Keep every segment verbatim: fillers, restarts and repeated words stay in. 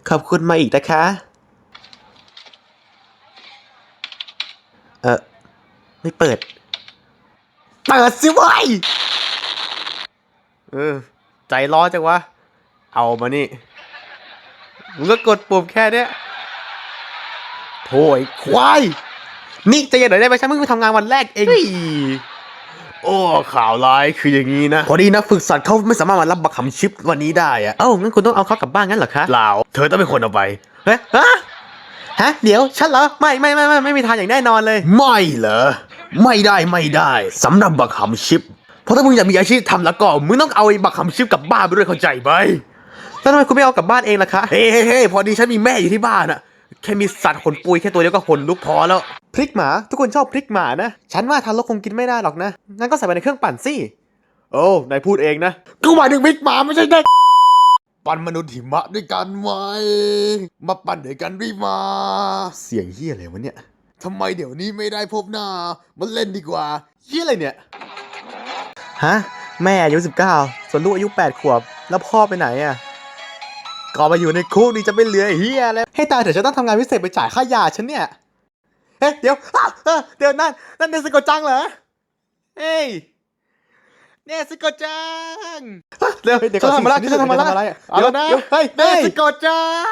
ขอบคุณมาอีกนะคะเออไม่เปิดเปิดสิวะเออใจร้อนจังวะเอามานี่มึงก็กดปุ่มแค่เนี้ยโถ่ไอ้ควายนี่ใจเย็นหน่อยได้ไหมฉันเพิ่งไปทำงานวันแรกเองโอ้ข่าวร้ายคืออย่างนี้นะพอดีนักฝึกสัตว์เขาไม่สามารถมารับบักขำชิปวันนี้ได้อะเอ้างั้นคุณต้องเอาเขากลับบ้านงั้นเหรอคะเปล่าเธอต้องเป็นคนเอาไปเฮ้ยฮะฮะเดี๋ยวฉันเหรอไม่ไม่ไม่ไม่ไม่มีทางอย่างแน่นอนเลยไม่เหรอไม่ได้ไม่ได้สำหรับบักขำชิปเพราะถ้ามึงอยากมีอาชีพทำแล้วก็มึงต้องเอาไอ้บักขำชิปกลับบ้านไปด้วยเข้าใจไหมแล้วทำไมคุณไม่เอากลับบ้านเองล่ะคะเฮ้เฮ้พอดีฉันมีแม่อยู่ที่บ้านอะแค่มีสัตว์ขนปุยแค่ตัวเดียวก็ขนลุกพอแล้วพริกหมาทุกคนชอบพริกหมานะฉันว่าทารกคงกินไม่ได้หรอกนะงั้นก็ใส่ไปในเครื่องปั่นสิโอ้นายพูดเองนะกูหมายถึงพริกหมาไม่ใช่เด็กปั่นมนุษย์หิมะด้วยกันไหมมาปั่นด้วยกันด้วยมาเสียงเฮียอะไรวะเนี่ยทำไมเดี๋ยวนี้ไม่ได้พบหน้ามันเล่นดีกว่าเฮียอะไรเนี่ยฮะแม่อายุสิบเก้าส่วนลูกอายุแปดขวบแล้วพ่อไปไหนอะก็มาอยู่ในคุกนี่จะไม่เหลือเฮียเลยให้ตายเถอะฉันต้องทำงานพิเศษไปจ่ายค่ายาฉันเนี่ยเฮ้ยเดี๋ยวเดี๋ยวนั่นนั่นเนสโกจังเหรอเฮ้ยเนสโกจังเดี๋ยวเดี๋ยวทำอะไรจะทำอะไรเอาแล้วนะเฮ้ยเนสโกจัง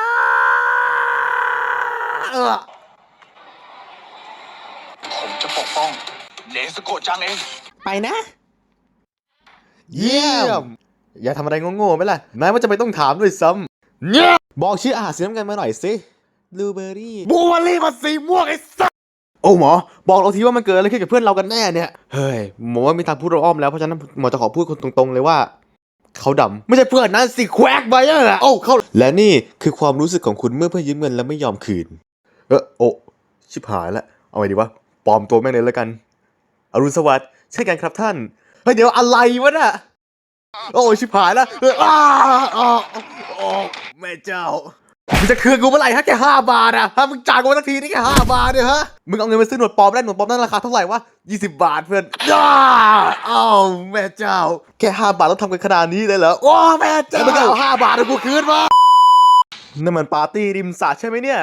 ผมจะปกป้องเนสโกจังเองไปนะเยี่ยมอย่าทำอะไรโง่ๆไหมล่ะนายว่าจะไปต้องถามด้วยซ้ำเนี่ยบอกชื่ออาหารสีน้ำเงินมาหน่อยสิบลูเบอร์รี่บลูเบอร์รี่มันสีม่วงไอ้สัสโอ้หมอบอกเราทีว่ามันเกิดอะไรขึ้นกับเพื่อนเรากันแน่เนี่ยเฮ้ยหมอว่ามีทางพูดเราอ้อมแล้วเพราะฉะนั้นหมอจะขอพูดคนตรงๆเลยว่าเขาดำไม่ใช่เพื่อนนะสิแควกไปอ่ะโอ้เขาและนี่คือความรู้สึกของคุณเมื่อเพื่อนยืมเงินแล้วไม่ยอมคืนเออโอ้ชิบหายละเอาไงดีวะปลอมตัวแม่งเลยแล้วกันอรุณสวัสดิ์ใช่กันครับท่านเฮ้ยเดี๋ยวอะไรวะน่ะโอ้ชิบหายแล้วอ้าอ้าโอ้แม่เจ้ามึงจะคืนกูเมื่อไหร่ฮะแค่ห้าบาทอะฮะมึงจ่ายกูสักทีนี่แค่ห้าบาทเนี่ยฮะมึงเอาเงินไปซื้อหนวดปลอมได้หนวดปลอมนั่นราคาเท่าไหร่วะยี่สิบบาทเพื่อนอ้าอ้าวแม่เจ้าแค่ห้าบาทต้องทำกันขนาดนี้เลยเหรอโอ้แม่เจ้ามึงเอาห้าบาทให้กูคืนมานั่นมันปาร์ตี้ริมสระใช่ไหมเนี่ย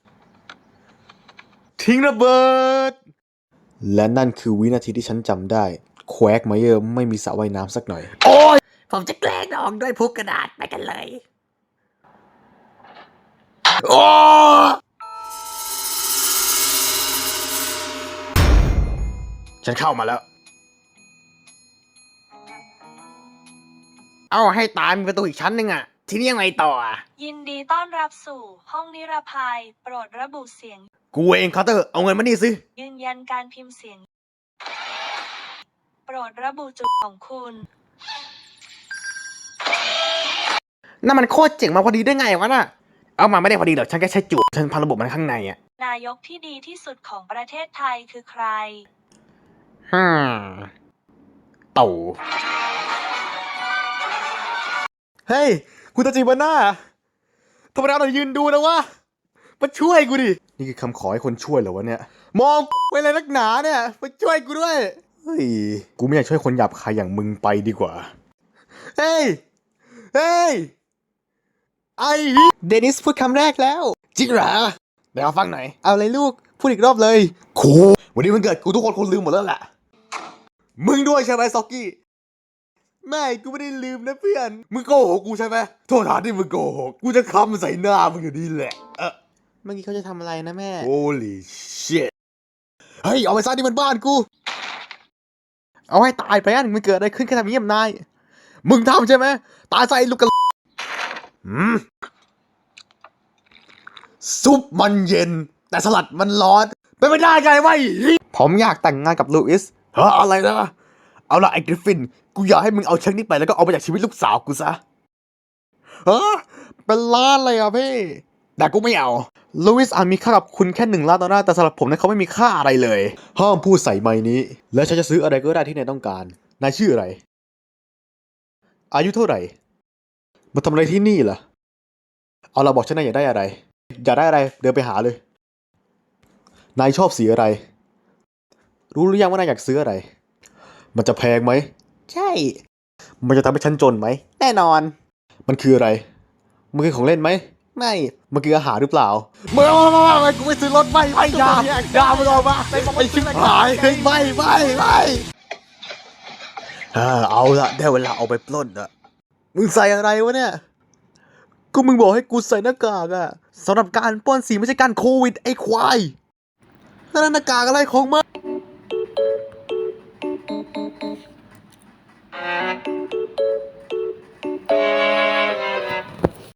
ทิ้งระเบิดและนั่นคือวินาทีที่ฉันจำได้แควกไมเยอร์ไม่มีสระว่ายน้ำสักหน่อยโอ้ยผมจะแกล้งน้องด้วยพุกกระดาษไปกันเลยโอ้ฉันเข้ามาแล้วเอาให้ตายมีประตูอีกชั้นหนึ่งอะทีนี้ยังไงต่ออะยินดีต้อนรับสู่ห้องนิรภัยโปรดระบุเสียงกูเองคาร์เตอร์เอาเงินมานี่สิยืนยันการพิมพ์เสียงโปรดระบุจุดของคุณนั่นมันโคตรเจ๋งมาพอดีได้ไงวะน่ะเอามาไม่ได้พอดีหรอกฉันแค่ใช้จุดฉันพันระบบมันข้างในอะนายกที่ดีที่สุดของประเทศไทยคือใครฮ่าตู่เฮ้ยคุณตาจิบาน่าธรรมดาเรายืนดูนะวะมาช่วยกูดินี่คือคำขอให้คนช่วยเหรอวะเนี่ยมองไปเลยนักหนาเนี่ยมาช่วยกูด้วยเฮ้ยกูไม่อยากช่วยคนหยาบคายอย่างมึงไปดีกว่าเฮ้ยเฮ้ยไอ้เดนิสพูดคำแรกแล้วจริงเหรอเดี๋ยวฟังหน่อยเอาเลยลูกพูดอีกรอบเลยโูวันนี้มันเกิดกูทุกคนคงลืมหมดแล้วแหละมึงด้วยใช่ไหมซ็อกกี้ไม่กูไม่ได้ลืมนะเพื่อนมึงโกหกกูใช่ไหมโทษฐานที่มึงโกหกกูจะคำใส่หน้ามึงอยู่ดีแหละเออเมื่อกี้เขาจะทำอะไรนะแม่ Holy shit เฮ้ยเอาไปซะนี่มันบ้านกูเอาให้ตายไปอันมันเกิดอะไรขึ้นแค่ทำเยี่ยมนายมึงทำใช่ไหมตายใส่ลูกกระอืมซุปมันเย็นแต่สลัดมันร้อนเป็นไม่ได้ไงวะผมอยากแต่งงานกับลูอิสเฮ้ออะไรนะเอาละไอ้กริฟฟินกูอยากให้มึงเอาเช็คนี้ไปแล้วก็เอาไปจากชีวิตลูกสาวกูซะเฮ้อเป็นล้านเลยอ่ะพี่แต่กูไม่เอาลูอิสอาจมีค่ากับคุณแค่หนึ่งล้านดอลลาร์แต่สำหรับผมนั้นเขาไม่มีค่าอะไรเลยห้ามพูดใส่ไมค์นี้และฉันจะซื้ออะไรก็ได้ที่นายต้องการนายชื่ออะไรอายุเท่าไหร่มาทำอะไรที่นี่ล่ะเอาเราบอกฉันนายอยากได้อะไรอยากได้อะไรเดินไปหาเลยนายชอบสีอะไรรู้หรือยังว่านายอยากซื้ออะไรมันจะแพงไหมใช่มันจะทำให้ฉันจนไหมแน่นอนมันคืออะไรมันคือของเล่นไหมไม่มันคืออาหารหรือเปล่าไม่ไม่ไม่ไม่กูไม่ซื้อรถไม่ไม่ยาอยามึงออกมาไอชิบหายเฮ้ยไม่ไม่ไม่เออเอาละได้เวลาเอาไปปล้นละมึงใส่อะไรวะเนี่ยก็มึงบอกให้กูใส่หน้ากากอะสำหรับการปล้นสีไม่ใช่การโควิดไอ้ควายแล้วหน้ากากอะไรของมึง